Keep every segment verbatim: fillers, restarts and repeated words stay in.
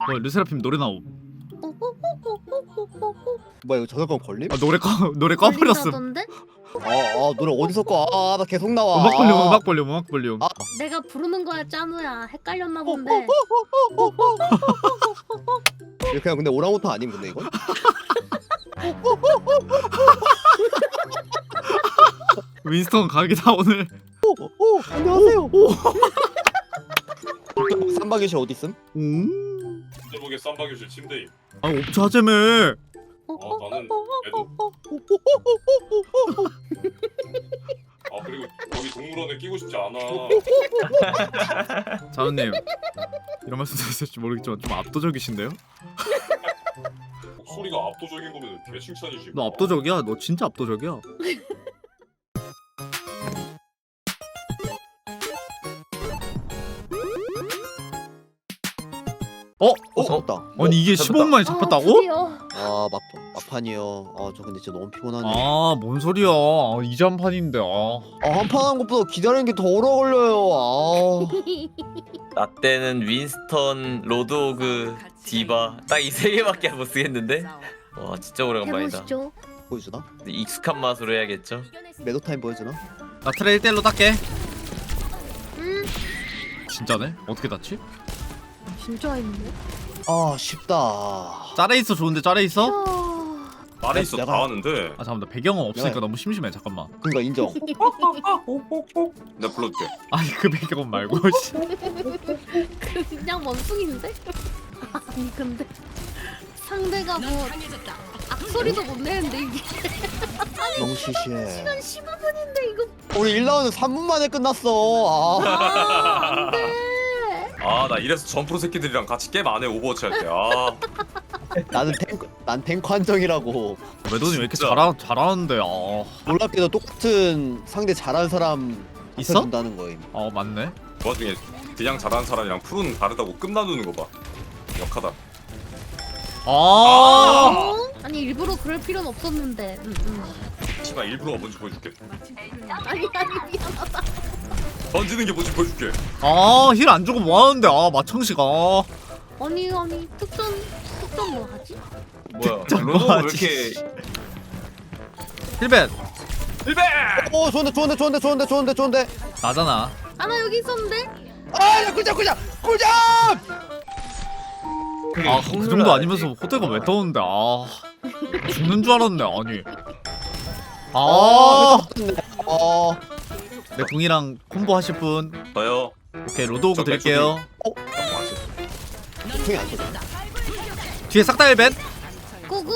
어, 르세라핌 노래 나옴. 뭐야 이거 저작권 걸림? 아 노래 꺼 노래 꺼버렸음. 걸린다던데? 아, 아 노래 어디서 꺼? 아 나 계속 나와. 음악 볼륨 아. 음악 볼륨 음악 볼륨. 아. 내가 부르는 거야 짠우야. 헷갈렸나 본데. 이거 그냥 근데 오랑우탄 아님 근데 이건? 윈스턴 각이다 오늘. 오, 오 안녕하세요. 쌈박이실 어디 있음? 음. 제목에 쌈박이실 침대임. 아 업자제매. 어 나는 애도. 아 그리고 거기 동물원에 끼고 싶지 않아. 자우님 이런 말씀 드렸을지 모르겠지만 좀 압도적이신데요? 목소리가 압도적인 거면 개 칭찬이지. 너 압도적이야. 너 진짜 압도적이야. 어? 어 잡았다. 아니 이게 잡았다. 십오 분 만에 잡혔다고? 드디어. 아 막, 막판이요. 아 저 근데 진짜 너무 피곤하네. 아 뭔 소리야. 아, 이제 한 판인데. 아. 아 한판 한 것보다 기다리는 게 더 오래 걸려요. 아. 나 때는 윈스턴, 로드오그, 디바 딱 이 세 개밖에 못 쓰겠는데? 와 진짜 오래간만이다. 해보시죠. 보여주나? 근데 익숙한 맛으로 해야겠죠? 매도 타임 보여주나? 나 트레 일 대일로 닦게. 음, 진짜네? 어떻게 닿지? 진짜 했는데. 아 쉽다. 짤에 있어 좋은데 짤에 있어? 어... 말에 있어 내가- 다 하는데. 아 잠깐만 나 배경은 없으니까 내가- 너무 심심해 잠깐만. 그러니까 인정. 내가 불러줄게. 아니 그 배경은 말고 씨. 그냥 원숭인데? 아니 근데 상대가 뭐 악소리도 못 내는데 이게 너무 시시해. 시간 십오 분인데 이거 우리 일 라운드 삼 분 만에 끝났어. 아. 아 안돼. 아 나 이래서 점프로 새끼들이랑 같이 게임 안 해 오버워치 할 때. 아 나는 탱크, 난 탱크 한정이라고. 외도님 왜 이렇게 진짜. 잘하, 잘하는데. 아. 놀랍게도 똑같은 상대 잘하는 사람 있어? 준다는 거임. 아 맞네. 그 와중에 그냥 잘하는 사람이랑 프로는 다르다고 끝 나누는 거 봐. 역하다. 아. 어? 아니 일부러 그럴 필요는 없었는데. 음, 음. 씨발 일부러가 뭔지 보여줄게. 아니 아니 미안하다. 던지는 게 뭔지 보여줄게. 아, 힐 안 주고 뭐 하는데? 아, 마청씨가. 아니 아니 특전 특전 뭐 하지? 뭐야 진짜 로드오그 왜 뭐하지? 이렇게 힐벤 일배! 오 좋은데 좋은데 좋은데 좋은데 좋은데 좋은데. 나잖아. 아 나 여기 있었는데. 아야 꿀잠 꿀잠 꿀잠. 아, 그 정도 아니면서 호대가 왜 떠오는데? 아, 죽는 줄 알았네. 아니. 아, 어. 내 궁이랑 콤보 하실 분. 저요. 오케이, 로드오그 저 드릴게요. 총이 안 쏘네. 뒤에 싹 다 힐벤. 고고.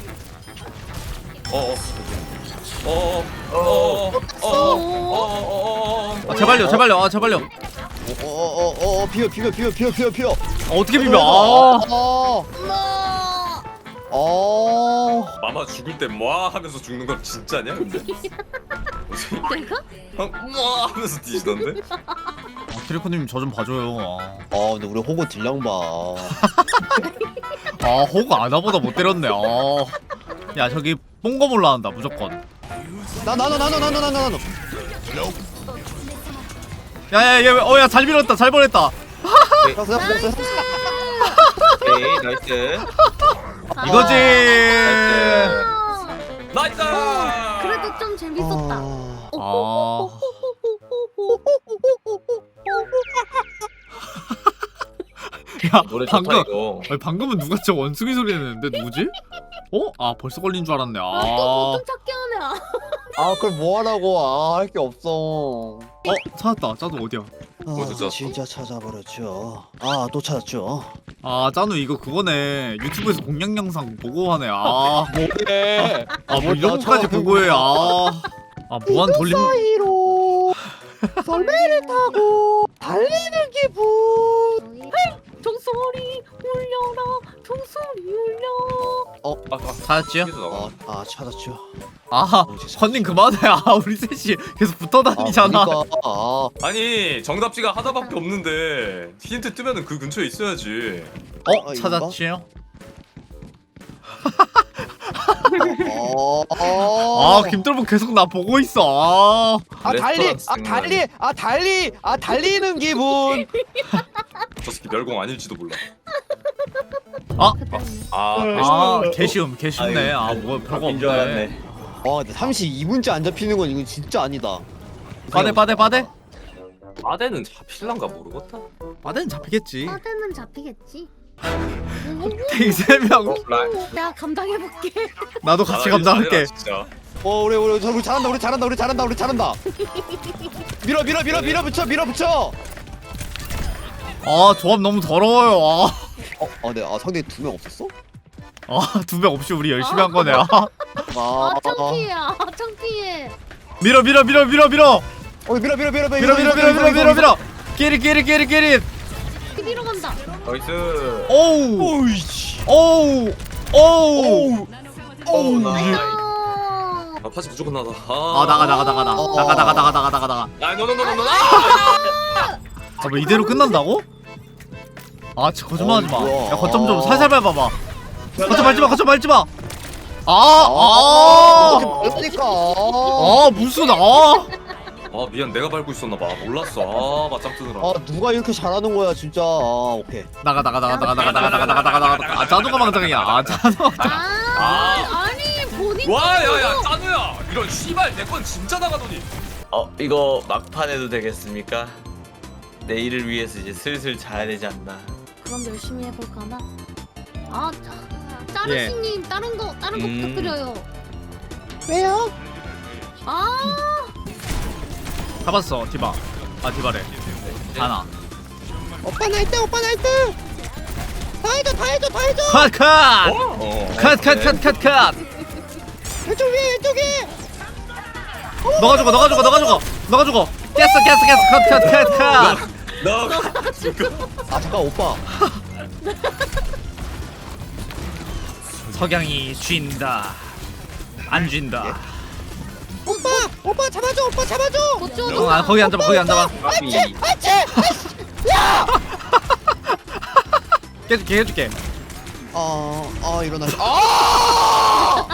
어어. 어어. 어어. 어어. 어어. 아, 제발요, 제발요. 아, 제발요. 어어어어 비어 비어 비어 비어 비어 비어. 아, 어떻게 비벼? 아, 어. 엄마. 어. 마마 죽을 때 뭐 하면서 죽는 건 진짜냐 근데? 내가? 뭐 하면서 뒤지던데? 아 트리코님 저 좀 봐줘요. 아, 아 근데 우리 호구 딜량 봐. 아 호구 아나보다 못 때렸네. 아, 야 저기 뽕검 올라간다 무조건. 나 나눠 나눠 나눠 나눠 나눠. 야야야, 어야 잘 밀었다, 잘 보냈다. 잡았어 잡았어 잡았어. 오케이 나이스 이거지. 나이스 나이스! 그래도 좀 재밌었다. 아. 아, 야 노래 좋다 방금, 이거 아니, 방금은 누가 저 원숭이 소리 내는데 누구지? 어? 아 벌써 걸린 줄 알았네. 아, 또 아, 보통 찾게 하네. 아. 아 그걸 뭐 하라고. 아 할 게 없어. 어 찾았다. 짜누 어디야? 어디서 아 찾았어? 진짜 찾아버렸죠. 아 또 찾았죠. 아 짜누 이거 그거네. 유튜브에서 공략 영상 보고 하네. 아, 뭐해? 아 뭐 이런 것까지 보고해. 아, 아 무한 돌림. 사이로 설매를 타고 달리는 기분. 종소리 울려라. 종소리 울려. 아, 아, 찾았지요? 여기서 나와. 아, 아 찾았죠. 아, 헌님 그만해. 아, 우리 셋이 계속 붙어 아, 다니잖아. 그러니까, 아, 아니 정답지가 하나밖에 없는데 힌트 뜨면은 그 근처에 있어야지. 어, 아, 찾았지요? 어, 아, 김돌복 계속 나 보고 있어. 아, 아 달리, 아 레스토랑 달리, 아 달리, 아 달리는 기분. 저 새끼 멸공 아닐지도 몰라. 아! 아, 아 개쉬움 개쉽네. 아 뭐 별거 줄 없네. 알았네. 와 근데 삼십이 분째 안 잡히는 건 이건 진짜 아니다. 빠데 빠데 빠데. 아대는 잡힐란가 모르겠다. 빠데는 잡히겠지. 빠데는 잡히겠지. 탱세명 내가 감당해볼게. 나도 같이 아, 감당할게. 진짜. 어 우리 우리 우리 잘한다 우리 잘한다 우리 잘한다 우리 잘한다. 밀어 밀어 밀어 밀어 붙여 밀어 붙여. 아 조합 너무 더러워요. 아. 어, 아, 네, 아 상대 두 명 없었어? 아두 명 없이 우리 열심히 한 거네. 아. 아, 아 창피해. 아 창피해. 밀어 밀어 밀어 밀어 밀어 어, 밀어 밀어 밀어 밀어 밀어 밀어 밀어 밀어 밀어. 끼리 끼리 끼리 끼리. TV로 간다. 나이스. 오우 오이씨. 오우 오우. 오우. 나이스. 아 파지 무조건 나다. 아 나가 나가 나가 나가 어. 나가 나가 나가 나가 나가 나가. 아 노노노노노. 아뭐 이대로 끝난다고? 아 진짜 거짓말하지 마. 어이, 야 거점 좀 살살 밟아봐. 네. 거점 밟지 마 거점 밟지 마. 아, 아아 그러니까. 아 무슨 아. 아 미안 내가 밟고 있었나 봐. 몰랐어. 아 맞짱 뜨느라. 아, 누가 이렇게 잘하는 거야, 진짜. 아, 오케이. 나가 나가 나가 나가 나가 나가 나가 나가 나가 나가. 아 자동화 망정이야. 아 자동화. 아, 아. 아니 본인. 와 야야 짜누야. 이런 씨발 내 건 진짜 나가더니. 어 이거 막판 해도 되겠습니까? 내일을 위해서 이제 슬슬 자야 되지 않나. 그럼 열심히 해볼까나. 아, 짜- 짜르시님 다른 거 다른 거 음. 부탁드려요. 왜요? 아, 잡았어 디바. 아 디바래. 하나. 오빠 나이트, 오빠 나이트! 다 해줘, 다 해줘, 다 해줘! 컷 컷. 어. 컷 컷 컷 컷 컷. 왼쪽 위에, 왼쪽 위에! 너가 죽어 너가 죽어 너가 죽어 너가 죽어. 깼어 깼어 깼어 컷 컷 컷 컷. 너. 아, 잠깐, 오빠. 석양이 쥔다. 안 쥔다. 오빠! 오빠 잡아줘, 오빠 잡아줘! 고추도. 어, 아, 거기 앉아봐 거기 앉아봐. 까비. 아치! 깨줄게 해줄게. 아, 아, 일어나. 아!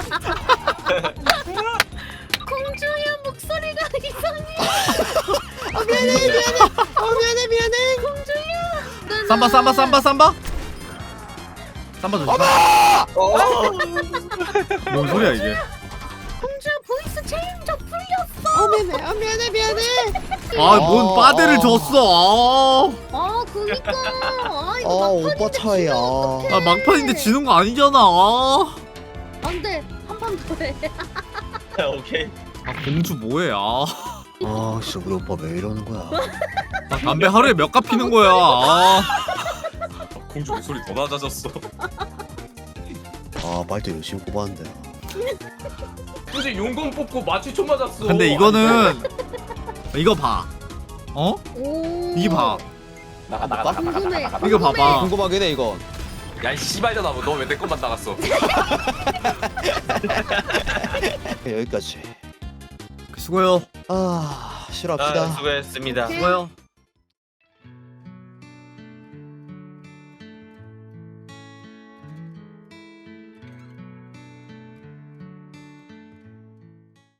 공주야 목소리가 이상해. 아, 미안해, 미안해! 아, 미안해, 미안해! 공주야. 삼바 삼바 삼바 삼바. 삼바 조심. 뭔 소리야 이게? 공주야 보이스 체인저 풀렸어. 아, 미안해, 아, 미안해, 미안해! 아뭔 빠데를 줬어. 아 그니까. 아 아, 이거 오빠 차이야. 아, 아 막판인데 지는 거 아니잖아. 아, 안돼 한 판 더 해. 오케이. 아 공주 뭐해? 아, 아, 진짜 우리 오빠 왜 이러는 거야? 아 담배 하루에 몇 갑 피는 거야? 아, 공주 목소리 더 낮아졌어. 아, 말도 열심히 뽑았는데. 굳이 용검 뽑고 마취총 맞았어. 근데 이거는 이거 봐. 어? 오. 이게 봐. 나가 나가 나가 나가. 궁금해. 이거 봐봐. 궁금하긴 해, 이건. 야이 씨발잖아. 너 왜 내 것만 나갔어? 여기까지. 수고요. 아, 아, 싫어합시다. 수고했습니다. 수고요.